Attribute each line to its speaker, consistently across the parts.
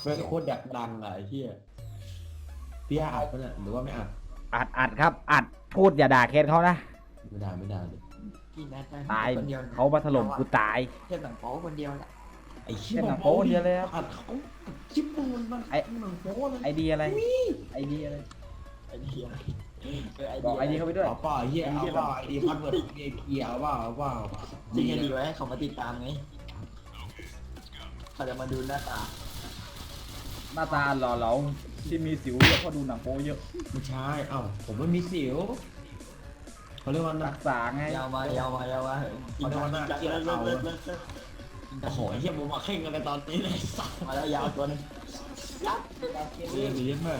Speaker 1: เป็นโคตรอยากดังอะไอ้เหี้ยพี่อัดปะเนี่ยหรือว่าไม่อัด
Speaker 2: อัดครับอัดพูดอย่าด่าเคสเขานะ
Speaker 1: ไม่ได้ไม่ได้เลย
Speaker 3: พี่แนทไป
Speaker 2: ตาย
Speaker 3: คนเดียว
Speaker 2: เขามาถล่มกูตาย
Speaker 3: เทียบหนังโป๊คนเดียวแหละ
Speaker 1: ไอ้เหี้ย
Speaker 2: เป็นหนังโป๊เดียวเลยครับ
Speaker 1: อัดเขาคลิปมึงมัน
Speaker 2: ไอ้
Speaker 1: หนังโป๊เลย
Speaker 2: ไอเดียอะไรไอเดียอะไร
Speaker 3: ไอเดียไอ
Speaker 2: บอกไอเดียเขาไปด้วย
Speaker 1: เอาเปล่าไอ้เหี้ยเอาเปล่าไอ้ดีพัดเวิร์ดเกียร์เอาเปล่าเอาเปล่า
Speaker 3: จริงดีไว้ให้เขามาติดตามไงเขาจะมาดูหน้าตา
Speaker 2: หน้าตาหล่อเหลาที่มีสิวเยอะเพราะดูหนังโป๊เยอะ
Speaker 1: ไม่ใช่เอ้าผมไม่มีสิวเขาเรียกว่านั
Speaker 2: รั
Speaker 1: ก
Speaker 2: กษาไง
Speaker 3: ยาวมายาวมายาวมากินน้ำกินเลิก
Speaker 1: โอ้โหไอ้เหี้ยผมมาเข่งกันเลยตอนนี้เลยสัส
Speaker 3: มาแล้วยาวตัวนึง
Speaker 1: เรียนดีมาก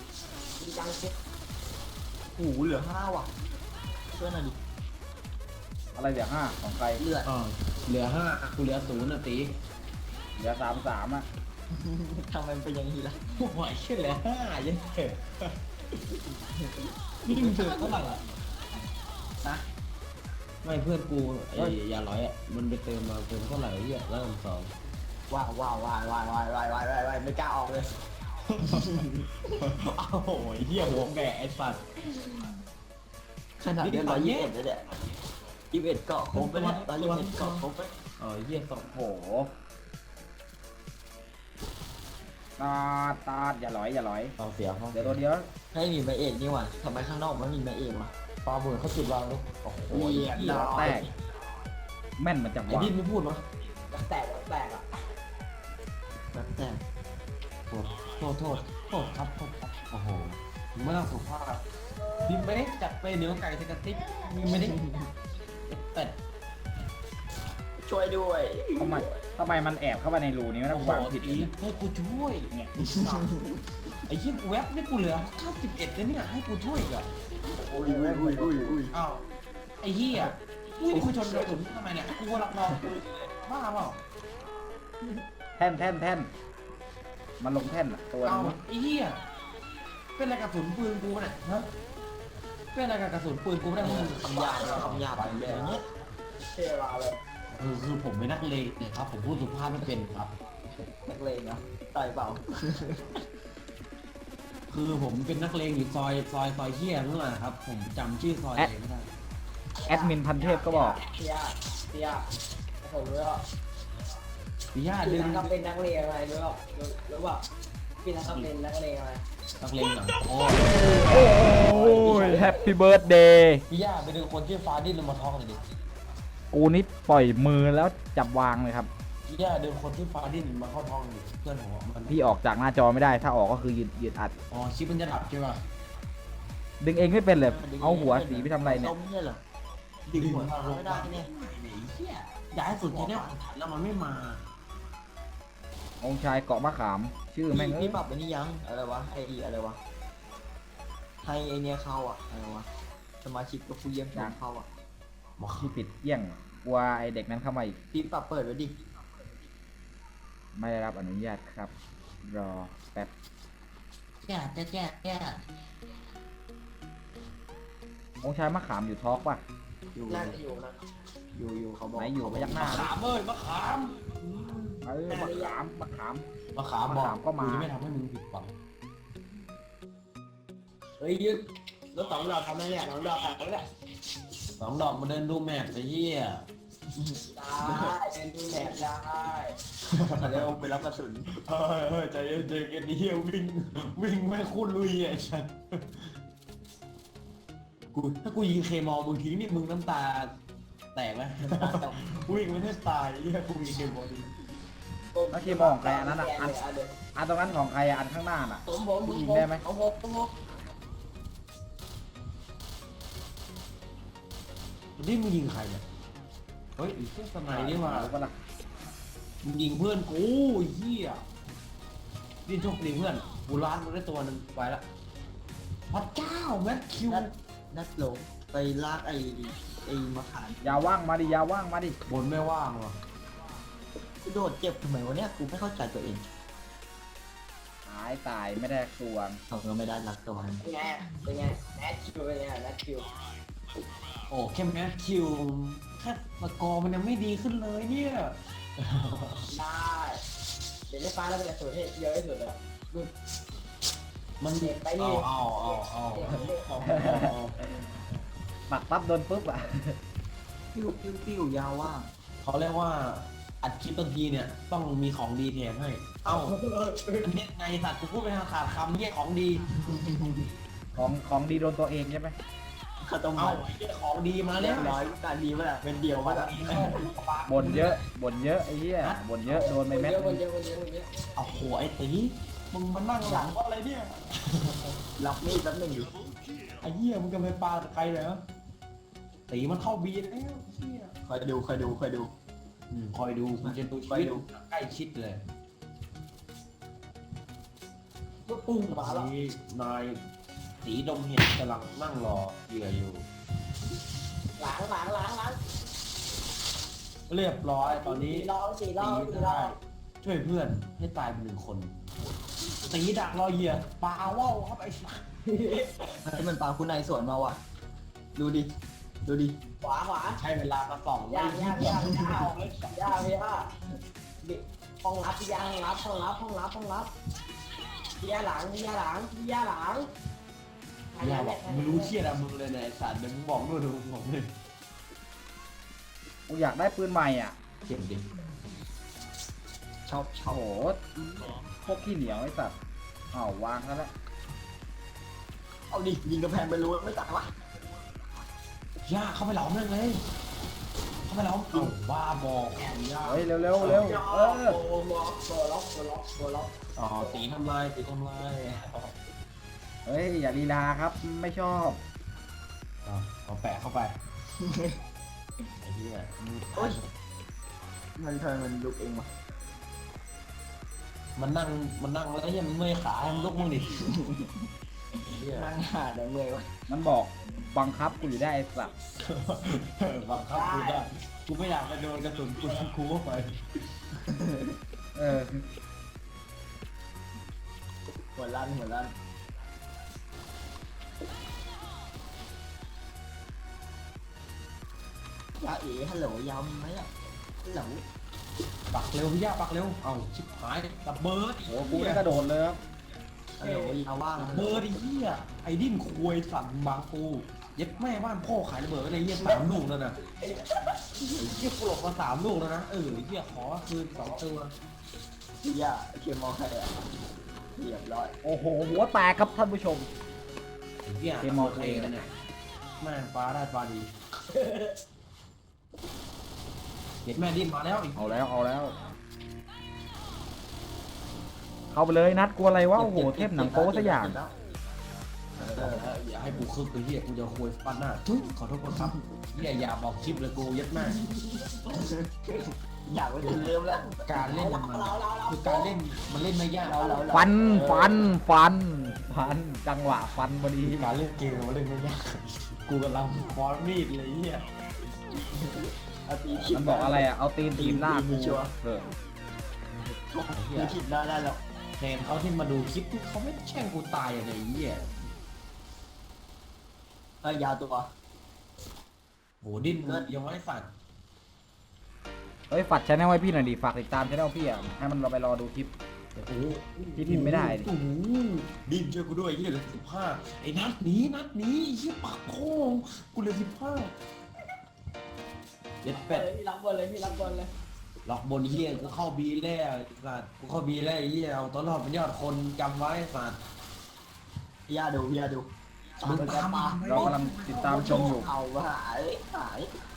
Speaker 3: โอ้โหเหลือ5ว่ะช่วยหน่อยดิ
Speaker 2: อะไรเดี๋ยว5ของใคร
Speaker 3: เลือด
Speaker 1: อ๋อเหลือ5กูเหลือ0นะตี
Speaker 2: เหลือ33อ่ะ
Speaker 3: ทำไมเป็นอย่างนี้ล่ะ
Speaker 1: โอ้โหไอ้เหี้ยเหลือ5ยังเถอะนี่มึงเจอเท่าไหร่อะ
Speaker 3: นะ
Speaker 1: ไม่เพื่อนกูไอ้ยาร้อยอ่ะมันไปเติมมาเติมเท่าไหร่เหี้ยแล้วสอง
Speaker 3: ว้าวว้าวว้าวว้าวว้าวว้าวว้าวว้าวไม่กล้าออกเลย
Speaker 1: อ้าวโหเหี้ยหัวแก่ไอ้สัตว์
Speaker 3: ขนาดเรียน121เลยเนี่ย21เกาะครบไปเนี่ย121เกาะครบไป
Speaker 1: อ๋อเหี้ยสอง
Speaker 2: โอ้โหตาดอย่าหลอยอย่าหลอย
Speaker 1: สองเสียห้อง
Speaker 2: เดี๋ยวตัวเดียว
Speaker 3: ให้มีมาเอกนี่หว่าทำไมข้างนอกไม่มีมาเอกวะ
Speaker 1: ปลาหมื่นเขาจุดวางลูกโอ้โห
Speaker 3: เหี้ย
Speaker 2: หัวแตกแม่นมันจัง
Speaker 1: ไอ้
Speaker 2: วะ
Speaker 1: ดินไม่พูดมั้ย
Speaker 3: แตกอ่ะแบบแตก
Speaker 1: โทษครับโอ้โหไม่ต้องสุภาพดินไม่ได้จัดไปเนื้อไก่สกัดติ๊กดินไม่ได้แต่
Speaker 3: ช่วยด้วย
Speaker 2: ทำไมมันแอบเข้าไปในรูนี้ไม่ต้
Speaker 1: โอ้
Speaker 2: อง
Speaker 1: โห
Speaker 2: วางผิด
Speaker 1: อีให้กูช่วยเนี่ยไอ้เหี้ยเว็บนี่กูเหลือ91แล้วเนี่ยให้กูช่วยอีกอ่ะ
Speaker 3: อุ้ย
Speaker 1: อ้าวไอ้เหี้ยนี่กูชนกระสุนทำไมเนี่ยกูรับรองกูบ้าเปล่า
Speaker 2: แท่นมันลงแท่นอะตัว
Speaker 1: เอา
Speaker 2: นี้
Speaker 1: ไอ้เหี้ยเป็นอะไรกับกระสุนปืนกูเนี่ยฮะเป็นอะไรกับกระสุนปืนกูไม่ได้มึง
Speaker 3: คำหยาบอย่างเงี้ยเท่มาเลย
Speaker 1: คือผมเป็นนักเลงเนี่ยครับผมพูดสุภาพไม่เป็นครับ
Speaker 3: นักเลงเหรอต่อยเปล่า
Speaker 1: คือผมเป็นนักเลงอยู่ซอยเหี้ยนั่นแหละครับ ผมจำชื่อซอยเองไม่ได้
Speaker 2: แอดมินพันเทพก็บอก
Speaker 3: เตี้ยผมรู้ว่า
Speaker 1: พี่ย่า
Speaker 3: พี่
Speaker 1: ดึง
Speaker 3: นักเป็นนักเลงอะไรรู้ป่ะพี่นักเป็นนักเลงอะไร
Speaker 1: นักเลงหลังโอ้
Speaker 2: โอ้ยแฮปปี้เบิร์ดเดย์
Speaker 1: พี่ย่าไปดึงคนที่ฟ้าดิ้นลงมาท้องหน่อยดิ
Speaker 2: กูนี่ปล่อยมือแล้วจับวางเลยครับ
Speaker 1: พี่ย่าดึงคนที่ฟ้าดิ้นมาเข้าท้องดิเพื่อนผมอะมัน
Speaker 2: พี่ออกจากหน้าจอไม่ได้ถ้าออกก็คือยืดอัด
Speaker 1: อ๋อชิปมันจะดับใช่ป่ะ
Speaker 2: ดึงเองไม่เป็นเลยเอาหัวสีไปทำอะไรเนี่ย
Speaker 3: ต้มเนี่ยเหรอดึงหัวเราไม่ได้เนี่ย
Speaker 1: ไอ้เหี้ยย้ายสุดที่เนี่ยแล้วมันไม่มา
Speaker 2: องค์ชายเกาะมะขาม ชื่อแม่งเอ้
Speaker 3: พี่
Speaker 2: ย
Speaker 3: ปรับไปนี่ยังอะไรวะไออะไรวะให้ไอเนี้ยเข้าอ่ะอะไรวะสมาชิกกับผู้เยี่ยมชมเข้าอ่ะ
Speaker 2: ที่ปิดเยี่ยงกลัวไอเด็กนั้นเข้ามาอีก
Speaker 3: พี่ปรับเปิดไว้ดิ
Speaker 2: ไม่ได้รับอนุญาตครับ รอแป๊บ
Speaker 3: แก่
Speaker 2: องค์ชายมะขามอยู่ทอกป่ะ
Speaker 3: อยู่อยู่เขาบอก
Speaker 2: ไหนอยู่พยักหน้า
Speaker 1: มะขามเอ้ยมะขาม
Speaker 2: เออมะขาม
Speaker 1: มะขาม
Speaker 2: มะขามก็มา
Speaker 1: จะไม่ทำให้มึงผิดหวัง
Speaker 3: เฮ้ยยึดรถ2 ดอกทำได้เนี่ย2 ดอกทำได้
Speaker 1: สองดอกมาเดินดูแมพไอ้เหี้ย
Speaker 3: ได้เป็นดูแลได้เร็วไปรับกระสุน
Speaker 1: เฮ้ยใจเย็นๆกันเหี้ยวิ่งไม่คุ้นลุยอ่ะฉันกูถ้ากูยิงเคมอลมึงทิ้งนี่มึงน้ำตาแตกไหมวิ่งไม่ได้ตายเหี้ยกูยิงเคมอลทิ้ง
Speaker 2: แล้วที่มองใครอันนั้นอ่ะอันตรงนั้นของใครอ่ะอันข้างหน้าน่ะ ยิงได้ไหม
Speaker 3: เอาหก
Speaker 1: นี่มึงยิงใครเนี่ยเฮ้ยไอ้เหี้ยสมัยนี่หว่า
Speaker 2: รู้ปะล่ะ
Speaker 1: มึงยิงเพื่อนกูไอ้เหี้ยนี่โชคดีเพื่อนกูล้านมึงได้ตัวหนึงไปละพระเจ้าแมทคิว
Speaker 3: นัดหลงไปลากไอ้มะขาม
Speaker 2: อย่าว่างมาดิอย่าว่างมาดิ
Speaker 1: บนไม่ว่างหรอ
Speaker 3: โดดเจ็บทำไมวะเนี่ยกูไม่เข้าใจตัวเอง
Speaker 2: หายตายไม่ได้ตัว
Speaker 3: เขาก็ไม่ได้รักตัวมัน
Speaker 4: เป็นไงแนทคิวเป็นไงแนทคิว
Speaker 1: โอ้แค่แมทคิวแค่สกอร์มันยังไม่ดีขึ้นเลยเนี่ย
Speaker 4: ได้เดี๋ยวในฟ้าเราเป็นสูตรที่เยอะที่สุดเลย
Speaker 1: มัน
Speaker 4: เด็กไปนี่
Speaker 1: เอา
Speaker 4: เด็กเด็กของ
Speaker 2: ปักปั๊บโดนปุ๊บอ่ะ
Speaker 3: ปิ้วปิ้วปิ้วยาวว่าง
Speaker 1: เขาเรียกว่าอัดคลิปบางทีเนี่ยต้องมีของดีแถมให้ เอ้าอันนี้ไงสัตว์กูพูดไปทางขาดคำเนี่ยของดี
Speaker 2: ของดีโดนตัวเองใช่ไหม
Speaker 3: ข้าวต้ม
Speaker 1: เอ้า
Speaker 3: มัด
Speaker 1: ไอ้เหี้ยของดีมา
Speaker 3: เรี
Speaker 1: แล้
Speaker 3: ยว บร้อยการดีมาแล้วเป็นเดียว
Speaker 1: ข
Speaker 3: มา
Speaker 1: อง
Speaker 3: แล้ว
Speaker 1: ดีเข้าปาก
Speaker 2: บ่นเยอะบ่นเยอะไอ้เหี้ยบ่นเยอะโดนไปเม็ด
Speaker 4: เยอะ
Speaker 2: นึ
Speaker 4: คน
Speaker 2: ง
Speaker 4: เยอะคนเยอะคนเยอะ
Speaker 1: เอาโหไอ้ตีมึงมานั่งหลังว่าอะไรเนี่ย
Speaker 3: รับมีดแป๊บหนึงอยู่
Speaker 1: ไอ้เหี้ยมึงจะไปปาใครเหรอตีมันเข้าบีแล้วเหี้ย
Speaker 3: คอยดูคอยดูคอยดู
Speaker 1: คอยดูกูจะดูชี
Speaker 3: คอย
Speaker 1: วิต
Speaker 3: ดู
Speaker 1: ใกล้ชิดเลย
Speaker 4: ปุ้งมาแล้ว
Speaker 1: นี่นายสีดมเห็ดกำลังนั่งรอเหยื่ออยู่
Speaker 4: ล้าง
Speaker 1: เรียบร้อยตอนนี้
Speaker 4: สี่รอบ
Speaker 1: ตีได้ช่วยเพื่อนให้ตายเป็นหนึ่งคนตีดักรอเหยื่อปาว่าวครับไอ้สัส
Speaker 3: ที่มันปลาคุณนายสวนมาว่ะดูดิดูดิ
Speaker 4: ขวา
Speaker 1: ใช้เวลามาส่อง
Speaker 4: ย่างย่พี่ฮะห้องรับพี่ย่าห้องรับพี่ย่าหลัง
Speaker 1: อย่าบอกมึงรู้เชี่ยอะมึงเลยเนี่ยไอ้สัตว์เดี๋ยวมึงบอกด้วยเดี๋ยวมึงบอกเลย
Speaker 2: กูอยากได้ปืนใหม่อ่ะ
Speaker 1: เก็บดิ
Speaker 3: ชอบ
Speaker 2: โอ้โหพวกขี้เหนียวไอ้สัตว์อ้าววางซะแล้ว
Speaker 3: เอาดิยิงกระแพงไปรู้ไม่ตายวะ
Speaker 1: ย่าเข้าไปหลอมเลยเข้าไปหลอมเอาว่าบอกย่า
Speaker 2: เฮ้ยเร็วเร็วเร็วเออ
Speaker 4: ล็อก
Speaker 1: อ๋อตีทำลาย
Speaker 2: เฮ้ยอย่าลีลาครับไม่ชอบ
Speaker 1: เอาแปะเข้าไปไอ้เหี้ย
Speaker 3: โอ๊ยมันเธอมันลุกเองวะ
Speaker 1: มันนั่งแล้วยังเมื่อยขาให้มันลุกมึงดิเหี้ย
Speaker 3: นั่งหาได้เมื่อยวะ
Speaker 2: มันบอกบังคับกูอยู่ได้ไอ้สัตว์
Speaker 1: บังคับกูได้กูไม่อยากไปโดนกระสุนกูเข้าไป
Speaker 2: เออ
Speaker 3: หัวลั่นยาเอ๋ฮัลโหลยาวมีไหมอ่ะฮัลโหล
Speaker 1: ปักเร็วพี่ย่าปักเร็วเอาชิบหายดับเบิร์ด
Speaker 2: โอ้กูได้กระโดดเลยครับ
Speaker 3: ฮัลโหลยาวว่าง
Speaker 1: ดับเบิร์ดไอ้เหี้ยไอ้ดิ้นควยสั่นบางปูเย็บแม่บ้านพ่อขายระเบิดไว้ในเหี้ย3 ลูกแล้วนะไอ้เหี้ยกูหลบมา3 ลูกแล้วนะไอ้เหี้ยขอคืน2 ตัว
Speaker 3: ยาเขียนมองใครอ่ะเรียบร้อย
Speaker 2: โอ้โหหัวแตกครับท่านผู้ชม
Speaker 1: ไอ้เหี้ย
Speaker 2: เกมมอลเทน
Speaker 1: นะเนี่ยแม่งฟ้าได้ฟ้าดีเห็นแม่ดิ้นมาแล้วอีก
Speaker 2: เอาแล้วเข้าไปเลยนัดกลัวอะไรวะโอ้โหเทพหนังโป๊สักอย่าง
Speaker 1: อย่าให้กูคึกไอ้เหี้ยกูจะคุยฟันหน้าทุยขอโทษครับเหี้ยอย่าบอกคลิปเลยกูยัดแม่
Speaker 3: อยากไปถึงเริ่มแล้ว
Speaker 1: การเล่นมันคือการเล่นมันเล่นไม่ยาก
Speaker 2: ฟันจังหวะฟันพอดี
Speaker 1: การเล่นเกมมันเล่นไม่ยากกูกำลังฟอนมีดเลยเหี้ย
Speaker 3: เอาตีขิด
Speaker 2: มันบอกอะไรอ่ะเอาตีนทีมหน้ากูเออ
Speaker 3: ตีขิดได้แล้ว
Speaker 1: แทนเขาที่มาดูคลิปเขาไม่แช่งกูตายอะไรเหี้ย
Speaker 3: ยาวตัว
Speaker 1: โหดิ้นยังไม่สั่น
Speaker 2: เฮ้ยฝากชแนลไว้พี่หน่อยดิฝากติดตามชแนลพี่อ่ะให้มันเราไปรอดูคลิป
Speaker 1: โอ้โห
Speaker 2: ที่พิมพ์ไม่ได้ดิ
Speaker 1: โอ้โหดิ้นช่วยกูด้วยเหี้ยเหลือ15ไอ้นัดหนีไอ้เหี้ยปากโค้งกูเหลือ15เย็ดเป็ด
Speaker 4: พี่รับบอลเลย
Speaker 1: หลอกบนเฮียกูเข้าบีแล้วสัตว์กูเข้าบีแล้วไอ้เฮียเอาตัวรอดเป็นยอดคนจำไว้สัตว์
Speaker 3: ยาดู
Speaker 1: มึงตามมา
Speaker 2: เรากำลังติดตามชมอยู่
Speaker 3: เอาว่าหาย